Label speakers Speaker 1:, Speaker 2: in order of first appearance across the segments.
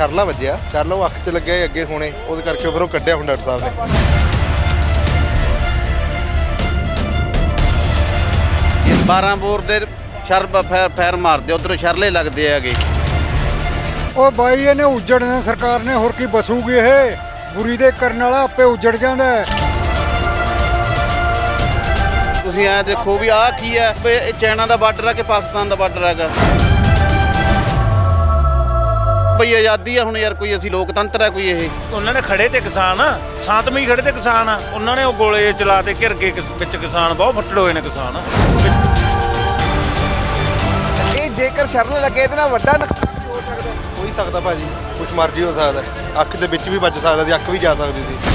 Speaker 1: ਸ਼ਰਲਾ ਵੱਜਿਆ, ਸ਼ਰਲਾ ਉਹ ਅੱਖ 'ਚ ਲੱਗਿਆ ਅੱਗੇ ਹੋਣੇ, ਉਹਦੇ ਕਰਕੇ ਫਿਰ ਉਹ ਕੱਢਿਆ ਹੁਣ ਡਾਕਟਰ ਸਾਹਿਬ ਨੇ।
Speaker 2: ਇਸ 12 ਬੋਰ ਦੇ ਸ਼ਰਬ ਫੈਰ ਮਾਰਦੇ ਉਧਰੋਂ ਸ਼ਰਲੇ ਲੱਗਦੇ ਹੈਗੇ।
Speaker 3: ਉਹ ਬਾਈ ਇਹਨੇ ਉੱਜੜਨਾ ਸਰਕਾਰ ਨੇ, ਹੋਰ ਕੀ ਬਸੂਗੀ ਇਹ? ਬੁਰੀ ਦੇ ਕਰਨ ਵਾਲਾ ਆਪੇ ਉੱਜੜ ਜਾਂਦਾ ਹੈ।
Speaker 2: ਤੁਸੀਂ ਐ ਦੇਖੋ ਵੀ ਆਹ ਕੀ ਹੈ, ਵੀ ਇਹ ਚਾਈਨਾ ਦਾ ਬਾਰਡਰ ਆ ਕਿ ਪਾਕਿਸਤਾਨ ਦਾ ਬਾਰਡਰ ਹੈਗਾ। ਬਈ ਆਜ਼ਾਦੀ ਆ ਹੁਣ ਯਾਰ, ਕੋਈ ਅਸੀਂ ਲੋਕਤੰਤਰ ਆ ਕੋਈ? ਇਹ
Speaker 4: ਉਹਨਾਂ ਨੇ ਖੜੇ ਤੇ ਕਿਸਾਨ ਆ, ਸ਼ਾਂਤਮਈ ਖੜੇ ਤੇ ਕਿਸਾਨ ਆ। ਉਹਨਾਂ ਨੇ ਉਹ ਗੋਲੇ ਚਲਾ ਤੇ ਘਿਰ ਕੇ ਵਿੱਚ ਕਿਸਾਨ ਬਹੁਤ ਫੱਟੜ ਹੋਏ ਨੇ ਕਿਸਾਨ।
Speaker 5: ਇਹ ਜੇਕਰ ਸ਼ਰਨ ਲੱਗੇ ਇਹਦੇ ਨਾਲ ਵੱਡਾ ਨੁਕਸਾਨ ਵੀ ਹੋ ਸਕਦਾ।
Speaker 1: ਹੋ ਹੀ ਸਕਦਾ ਭਾਜੀ, ਕੁਛ ਮਰਜ਼ੀ ਹੋ ਸਕਦਾ। ਅੱਖ ਦੇ ਵਿੱਚ ਵੀ ਵੱਜ ਸਕਦਾ ਸੀ, ਅੱਖ ਵੀ ਜਾ ਸਕਦੀ ਸੀ।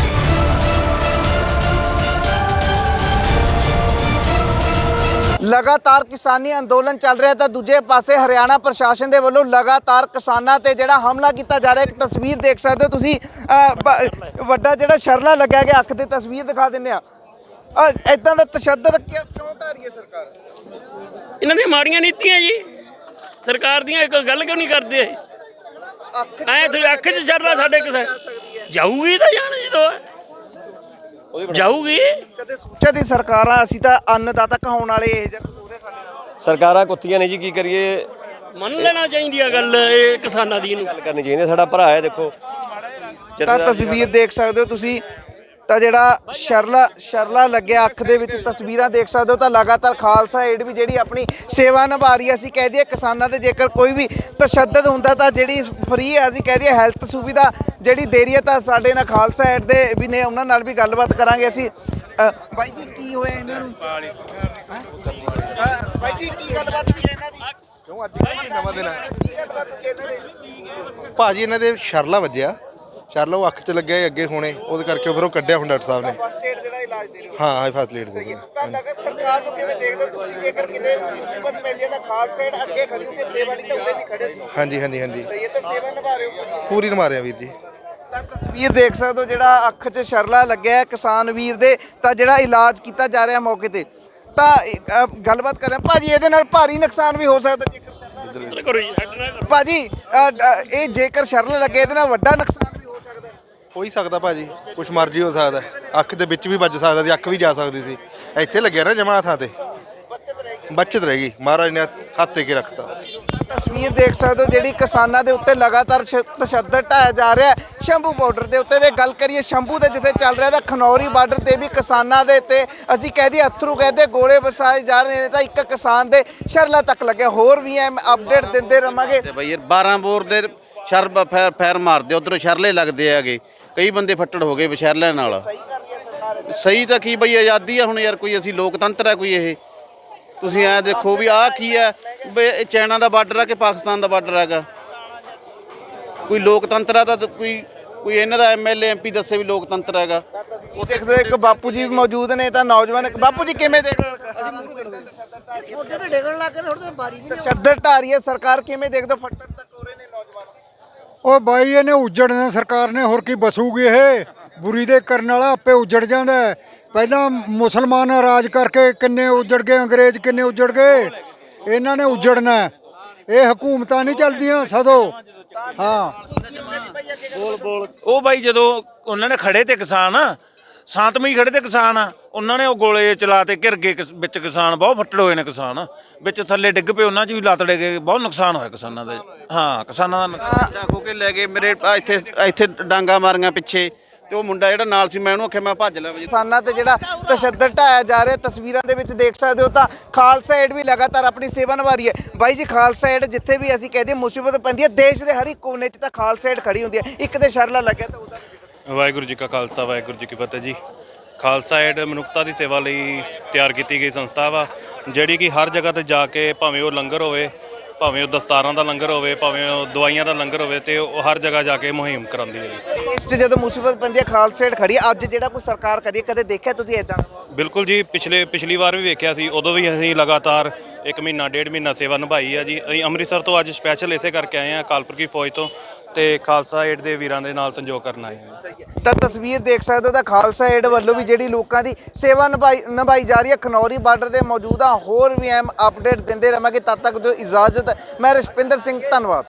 Speaker 5: ਲਗਾਤਾਰ ਕਿਸਾਨੀ ਅੰਦੋਲਨ ਚੱਲ ਰਿਹਾ ਤਾਂ ਦੂਜੇ ਪਾਸੇ ਹਰਿਆਣਾ ਪ੍ਰਸ਼ਾਸਨ ਦੇ ਵੱਲੋਂ ਲਗਾਤਾਰ ਕਿਸਾਨਾਂ ਤੇ ਜਿਹੜਾ ਹਮਲਾ ਕੀਤਾ ਜਾ ਰਿਹਾ। ਇੱਕ ਤਸਵੀਰ ਦੇਖ ਸਕਦੇ ਹੋ ਤੁਸੀਂ, ਵੱਡਾ ਜਿਹੜਾ ਸ਼ਰਲਾ ਲੱਗਿਆ ਗਿਆ, ਅੱਖ ਦੀ ਤਸਵੀਰ ਦਿਖਾ ਦਿੰਦੇ ਆ। ਇਦਾਂ ਦਾ ਤਸ਼ੱਦਦ ਕਿਉਂ ਢਾ ਰਹੀ ਹੈ ਸਰਕਾਰ?
Speaker 6: ਇਹਨਾਂ ਦੀਆਂ ਮਾੜੀਆਂ ਨੀਤੀਆਂ ਜੀ ਸਰਕਾਰ ਦੀਆਂ। ਇੱਕ ਗੱਲ ਕਿਉਂ ਨਹੀਂ ਕਰਦੇ? ਐ ਤੁਸੀਂ ਅੱਖ 'ਚ ਸ਼ਰਲਾ ਸਾਡੇ ਕਿਸੇ ਜਾਊਗੀ ਤਾਂ ਜਾਣ ਜਦੋਂ ਜਾਊਗੀ।
Speaker 5: ਕਦੇ ਸੋਚਿਆ ਦੀ ਸਰਕਾਰਾਂ ਅਸੀਂ ਤਾਂ ਅੰਨਦਾਤਾ ਕਹਾਉਣ ਵਾਲੇ ਇਹ ਜਿਹਾ ਕੁਝ ਹੋ ਰਿਹਾ ਸਾਡੇ ਨਾਲ?
Speaker 7: ਸਰਕਾਰਾਂ ਕੁੱਤੀਆਂ ਨੇ ਜੀ, ਕੀ ਕਰੀਏ?
Speaker 6: ਮੰਨ ਲੈਣਾ ਚਾਹੀਦੀ ਆ ਗੱਲ ਇਹ ਕਿਸਾਨਾਂ ਦੀ। ਇਹਨੂੰ
Speaker 7: ਗੱਲ ਕਰਨੀ ਚਾਹੀਦੀ, ਸਾਡਾ ਭਰਾ ਹੈ ਦੇਖੋ।
Speaker 5: ਤਾਂ ਤਸਵੀਰ ਦੇਖ ਸਕਦੇ ਹੋ ਤੁਸੀਂ, ਤਾਂ ਜਿਹੜਾ ਸ਼ਰਲਾ ਲੱਗਿਆ ਅੱਖ ਦੇ ਵਿੱਚ, ਤਸਵੀਰਾਂ ਦੇਖ ਸਕਦੇ ਹੋ। ਤਾਂ ਲਗਾਤਾਰ ਖਾਲਸਾ ਏਡ ਵੀ ਜਿਹੜੀ ਆਪਣੀ ਸੇਵਾ ਨਿਭਾ ਰਹੀ ਹੈ। ਅਸੀਂ ਕਹਿ ਦਈਏ ਕਿਸਾਨਾਂ ਤੇ ਜੇਕਰ ਕੋਈ ਵੀ ਤਸ਼ੱਦਦ ਹੁੰਦਾ ਤਾਂ ਜਿਹੜੀ ਫ੍ਰੀ ਹੈ, ਅਸੀਂ ਕਹਿ ਦਈਏ ਹੈਲਥ ਸੁਵਿਧਾ ਜਿਹੜੀ ਦੇ ਰਹੀ ਹੈ। ਤਾਂ ਸਾਡੇ ਨਾਲ ਖਾਲਸਾ ਏਡ ਦੇ ਵੀ ਨੇ, ਉਹਨਾਂ ਨਾਲ ਵੀ ਗੱਲਬਾਤ ਕਰਾਂਗੇ ਅਸੀਂ। ਬਾਈ ਜੀ ਕੀ ਹੋਇਆ ਇਹਨਾਂ ਨੂੰ? ਬਾਈ ਜੀ ਕੀ ਗੱਲਬਾਤ ਹੋਈ ਇਹਨਾਂ ਦੀ?
Speaker 1: ਕਿਉਂ ਅੱਜ ਨਵਾਂ ਦਿਨ ਹੈ
Speaker 5: ਕੀ ਗੱਲਬਾਤ ਹੋਈ ਇਹਨਾਂ ਦੇ?
Speaker 1: ਭਾਜੀ? ਇਹਨਾਂ ਦੇ ਸ਼ਰਲਾ ਵੱਜਿਆ, ਸ਼ਰਲਾ ਉਹ ਅੱਖ 'ਚ ਲੱਗਿਆ ਅੱਗੇ ਹੋਣੇ, ਉਹਦੇ ਕਰਕੇ ਫਿਰ ਉਹ ਕੱਢਿਆ ਹੁਣ ਡਾਕਟਰ ਸਾਹਿਬ ਨੇ।
Speaker 5: ਫਸਟ ਏਡ ਜਿਹੜਾ ਇਲਾਜ ਦੇ ਰਹੇ ਹੋ?
Speaker 1: ਹਾਂ ਹਾਈ ਫਸਟ ਏਡ ਸੀ।
Speaker 5: ਤਾਂ ਲਗਤ ਸਰਕਾਰ ਨੂੰ ਕਿਵੇਂ ਦੇਖਦੇ ਹੋ ਤੁਸੀਂ? ਜੇਕਰ ਕਿਤੇ ਮੁਸੀਬਤ ਪੈਂਦੀ ਹੈ ਤਾਂ ਖਾਲਸਾ ਏਡ ਅੱਗੇ ਖੜੀ ਹੋ ਕੇ ਸੇਵਾ ਲਈ ਤਾਂ ਉਰੇ ਵੀ ਖੜੇ ਹੋ।
Speaker 1: ਹਾਂਜੀ ਹਾਂਜੀ ਹਾਂਜੀ,
Speaker 5: ਸਹੀ ਹੈ, ਤਾਂ ਸੇਵਾ ਨਿਭਾ ਰਹੇ ਹੋ
Speaker 1: ਪੂਰੀ ਮਾਰਿਆ ਵੀਰ ਜੀ।
Speaker 5: ਤਾਂ ਤਸਵੀਰ ਦੇਖ ਸਕਦੇ ਹੋ, ਜਿਹੜਾ ਅੱਖ 'ਚ ਸ਼ਰਲਾ ਲੱਗਿਆ ਹੈ ਕਿਸਾਨ ਵੀਰ ਦੇ, ਤਾਂ ਜਿਹੜਾ ਇਲਾਜ ਕੀਤਾ ਜਾ ਰਿਹਾ ਮੌਕੇ ਤੇ। ਤਾਂ ਗੱਲਬਾਤ ਕਰ ਰਹੇ ਹਾਂ ਭਾਜੀ, ਇਹਦੇ ਨਾਲ ਭਾਰੀ ਨੁਕਸਾਨ ਵੀ ਹੋ ਸਕਦਾ ਜੇਕਰ ਸ਼ਰਲਾ ਲੱਗੇ।
Speaker 6: ਕਰੋ ਜੀ, ਅੱਡ ਨਾ ਕਰੋ।
Speaker 5: ਭਾਜੀ ਇਹ ਜੇਕਰ ਸ਼ਰਲਾ ਲੱਗੇ ਇਹਦੇ ਨਾਲ ਵੱਡਾ ਨੁਕਸਾਨ ਵੀ ਹੋ ਸਕਦਾ।
Speaker 1: ਹੋ ਹੀ ਸਕਦਾ ਭਾਜੀ, ਕੁਛ ਮਰਜ਼ੀ ਹੋ ਸਕਦਾ। ਅੱਖ ਦੇ ਵਿੱਚ ਵੀ ਵੱਜ ਸਕਦਾ ਸੀ, ਅੱਖ ਵੀ ਜਾ ਸਕਦੀ ਸੀ। ਇੱਥੇ ਲੱਗਿਆ ਨਾ ਜਮਾ ਥਾਂ ਤੇ, ਬੱਚਤ ਰਹਿ ਗਈ। ਮਹਾਰਾਜ ਨੇ ਹੱਥ ਤੇ ਕੇ ਰੱਖਤਾ।
Speaker 5: ਤਸਵੀਰ ਦੇਖ ਸਕਦੇ ਹੋ, ਜਿਹੜੀ ਕਿਸਾਨਾਂ ਦੇ ਉੱਤੇ ਲਗਾਤਾਰ ਤਸ਼ੱਦਦ ਢਾਇਆ ਜਾ ਰਿਹਾ ਹੈ। ਸ਼ੰਭੂ ਬਾਰਡਰ ਦੇ ਉੱਤੇ ਦੇ ਗੱਲ ਕਰੀਏ, ਸ਼ੰਭੂ ਦੇ ਜਿੱਥੇ ਚੱਲ ਰਿਹਾ ਤਾਂ ਖਨੌਰੀ ਬਾਰਡਰ ਤੇ ਵੀ ਕਿਸਾਨਾਂ ਦੇ ਉੱਤੇ ਅਸੀਂ ਕਹਦੇ ਅਥਰੂ ਕਹਦੇ ਗੋਲੇ ਵਰਸਾਏ ਜਾ ਰਹੇ ਨੇ। ਤਾਂ ਇੱਕ ਕਿਸਾਨ ਦੇ ਸ਼ਰਲਾ ਤੱਕ ਲੱਗਿਆ। ਹੋਰ ਵੀ ਐ ਅਪਡੇਟ ਦਿੰਦੇ ਰਵਾਂਗੇ।
Speaker 2: ਤੇ ਬਈ ਯਾਰ 12 ਬੋਰ ਦੇ ਸ਼ਰਬ ਫੈਰ ਮਾਰਦੇ ਉਧਰੋਂ ਸ਼ਰਲੇ ਲੱਗਦੇ ਹੈਗੇ। ਕਈ ਬੰਦੇ ਫੱਟੜ ਹੋ ਗਏ ਸ਼ਰਲਿਆਂ ਨਾਲ।
Speaker 5: ਸਹੀ ਕਰ ਰਹੀ ਹੈ ਸਰਕਾਰ।
Speaker 2: ਸਹੀ ਤਾਂ ਕੀ ਬਈ ਆਜ਼ਾਦੀ ਆ ਹੁਣ ਯਾਰ, ਕੋਈ ਅਸੀਂ ਲੋਕਤੰਤਰ ਆ ਕੋਈ? ਇਹ ਤੁਸੀਂ ਐ ਦੇਖੋ ਵੀ ਆਹ ਕੀ ਹੈ, ਵੀ ਇਹ ਚਾਈਨਾ ਦਾ ਬਾਰਡਰ ਆ ਕਿ ਪਾਕਿਸਤਾਨ ਦਾ ਬਾਰਡਰ ਹੈਗਾ। ਕੋਈ ਲੋਕਤੰਤਰ ਆ ਤਾਂ ਕੋਈ ਇਹਨਾਂ ਦਾ ਐਮਐਲਏ ਐਮਪੀ ਦੱਸੇ ਵੀ ਲੋਕਤੰਤਰ ਹੈਗਾ।
Speaker 5: ਉਹ ਦੇਖਦੇ ਇੱਕ ਬਾਪੂ ਜੀ ਮੌਜੂਦ ਨੇ। ਤਾਂ ਨੌਜਵਾਨ ਬਾਪੂ ਜੀ ਕਿਵੇਂ ਦੇਖ ਰਹੇ ਤਸ਼ੱਦਦ ਢਾ ਰਹੀ ਹੈ ਸਰਕਾਰ, ਕਿਵੇਂ ਦੇਖਦੇ ਹੋ? ਫੱਟੜ ਤੱਕ ਹੋ ਰਹੇ ਨੇ ਨੌਜਵਾਨ।
Speaker 3: ਉਹ ਬਾਈ ਇਹਨੇ ਉੱਜੜਨਾ ਸਰਕਾਰ ਨੇ, ਹੋਰ ਕੀ ਬਸੂਗੀ ਇਹ? ਬੁਰੀ ਦੇ ਕਰਨ ਵਾਲਾ ਆਪੇ ਉੱਜੜ ਜਾਂਦਾ ਹੈ। ਪਹਿਲਾਂ ਮੁਸਲਮਾਨ ਰਾਜ ਕਰਕੇ ਕਿੰਨੇ ਉੱਜੜ ਗਏ, ਅੰਗਰੇਜ਼ ਕਿੰਨੇ ਉੱਜੜ ਗਏ। ਇਹਨਾਂ ਨੇ ਉੱਜੜਨਾ। ਇਹ ਹਕੂਮਤਾਂ ਨਹੀਂ ਚੱਲਦੀਆਂ ਸਦੋਂ। ਹਾਂ
Speaker 4: ਉਹ ਬਾਈ ਜਦੋਂ ਉਹਨਾਂ ਨੇ ਖੜੇ ਤੇ ਕਿਸਾਨ ਆ, ਸ਼ਾਂਤਮਈ ਖੜੇ ਤੇ ਕਿਸਾਨ ਆ। ਉਹਨਾਂ ਨੇ ਉਹ ਗੋਲੇ ਚਲਾ ਤੇ ਘਿਰ ਕੇ ਵਿੱਚ ਕਿਸਾਨ ਬਹੁਤ ਫੱਟੜ ਹੋਏ ਨੇ ਕਿਸਾਨ। ਵਿੱਚ ਥੱਲੇ ਡਿੱਗ ਪਏ, ਉਹਨਾਂ 'ਚ ਵੀ ਲੱਤ ਡਿੱਗ ਗਏ। ਬਹੁਤ ਨੁਕਸਾਨ ਹੋਇਆ ਕਿਸਾਨਾਂ ਦਾ। ਹਾਂ ਕਿਸਾਨਾਂ ਦਾ ਨੁਕਸਾਨ।
Speaker 2: ਚਾਕੂ ਕੇ ਲੈ ਗਏ ਮੇਰੇ ਇੱਥੇ ਡਾਂਗਾ ਮਾਰੀਆਂ ਪਿੱਛੇ, ਤੇ ਉਹ ਮੁੰਡਾ ਜਿਹੜਾ ਨਾਲ ਸੀ ਮੈਂ ਉਹਨੂੰ ਆਖਿਆ ਮੈਂ ਭੱਜ ਲੈ।
Speaker 5: ਕਿਸਾਨਾਂ ਤੇ ਜਿਹੜਾ ਤਸ਼ੱਦਦ ਢਾਇਆ ਜਾ ਰਿਹਾ, ਤਸਵੀਰਾਂ ਦੇ ਵਿੱਚ ਦੇਖ ਸਕਦੇ ਹੋ। ਤਾਂ ਖਾਲਸਾ ਏਡ ਵੀ ਲਗਾਤਾਰ ਆਪਣੀ ਸੇਵਾ ਨਿਭਾ ਰਹੀ ਹੈ। ਬਾਈ ਜੀ ਖਾਲਸਾ ਏਡ ਜਿੱਥੇ ਵੀ ਅਸੀਂ ਕਹਦੇ ਮੁਸੀਬਤ ਪੈਂਦੀ ਹੈ, ਦੇਸ਼ ਦੇ ਹਰ ਇੱਕ ਕੋਨੇ 'ਚ ਤਾਂ ਖਾਲਸਾ ਏਡ ਖੜੀ ਹੁੰਦੀ ਹੈ। ਇੱਕ ਦੇ ਸ਼ਰਲਾ ਲੱਗਿਆ ਤਾਂ ਉਹਦਾ
Speaker 8: ਵਾਹਿਗੁਰੂ ਜੀ ਕਾ ਖਾਲਸਾ ਵਾਹਿਗੁਰੂ ਜੀ ਕੀ ਫਤਿਹ ਜੀ। ਖਾਲਸਾ ਏਡ ਮਨੁੱਖਤਾ ਦੀ ਸੇਵਾ ਲਈ ਤਿਆਰ ਕੀਤੀ ਗਈ ਸੰਸਥਾ ਵਾ, ਜਿਹੜੀ ਕਿ ਹਰ ਜਗ੍ਹਾ ਤੇ ਜਾ ਕੇ, ਭਾਵੇਂ ਉਹ ਲੰਗਰ ਹੋਵੇ, ਭਾਵੇਂ ਉਹ ਦਸਤਾਰਾਂ ਦਾ ਲੰਗਰ ਹੋਵੇ, ਭਾਵੇਂ ਉਹ ਦਵਾਈਆਂ ਦਾ ਲੰਗਰ ਹੋਵੇ, ਤੇ ਉਹ ਹਰ ਜਗ੍ਹਾ ਜਾ ਕੇ ਮੁਹਿੰਮ ਕਰਾਉਂਦੀ ਹੈ ਜੀ।
Speaker 5: ਦੇਸ਼ 'ਚ ਜਦੋਂ ਮੁਸੀਬਤ ਪੈਂਦੀ ਹੈ ਖਾਲਸਾ ਏਡ ਖੜੀ ਹੈ। ਅੱਜ ਜਿਹੜਾ ਕੋਈ ਸਰਕਾਰ ਕਰੀ ਕਦੇ ਦੇਖਿਆ ਤੁਸੀਂ ਇਦਾਂ?
Speaker 8: ਬਿਲਕੁਲ ਜੀ, ਪਿਛਲੀ ਵਾਰ ਵੀ ਵੇਖਿਆ ਸੀ। ਉਦੋਂ ਵੀ ਅਸੀਂ ਲਗਾਤਾਰ 1 ਮਹੀਨਾ 1.5 ਮਹੀਨਾ ਸੇਵਾ ਨਿਭਾਈ ਆ ਜੀ। ਅਸੀਂ ਅੰਮ੍ਰਿਤਸਰ ਤੋਂ ਅੱਜ ਸਪੈਸ਼ਲ ਇਸੇ ਕਰਕੇ ਆਏ ਹਾਂ, ਅਕਾਲ ਪੁਰਖੀ ਫੌਜ ਤੋਂ, ਤੇ ਖਾਲਸਾ ਏਡ ਦੇ ਵੀਰਾਂ ਦੇ ਨਾਲ ਸੰਯੋਗ ਕਰਨ ਆਏ ਹਾਂ।
Speaker 5: ਤਾਂ ਤਸਵੀਰ ਦੇਖ ਸਕਦੇ ਹੋ, ਤਾਂ ਖਾਲਸਾ ਏਡ ਵੱਲੋਂ ਵੀ ਜਿਹੜੀ ਲੋਕਾਂ ਦੀ ਸੇਵਾ ਨਿਭਾਈ ਜਾ ਰਹੀ ਹੈ। ਖਨੌਰੀ ਬਾਰਡਰ ਤੇ ਮੌਜੂਦ ਆ। ਹੋਰ ਵੀ ਅਪਡੇਟ ਦਿੰਦੇ ਰਹਾਂਗੇ। ਤਦ ਤੱਕ ਦਿਓ ਇਜਾਜ਼ਤ। ਮੈਂ ਰਸ਼ਪਿੰਦਰ ਸਿੰਘ, ਧੰਨਵਾਦ।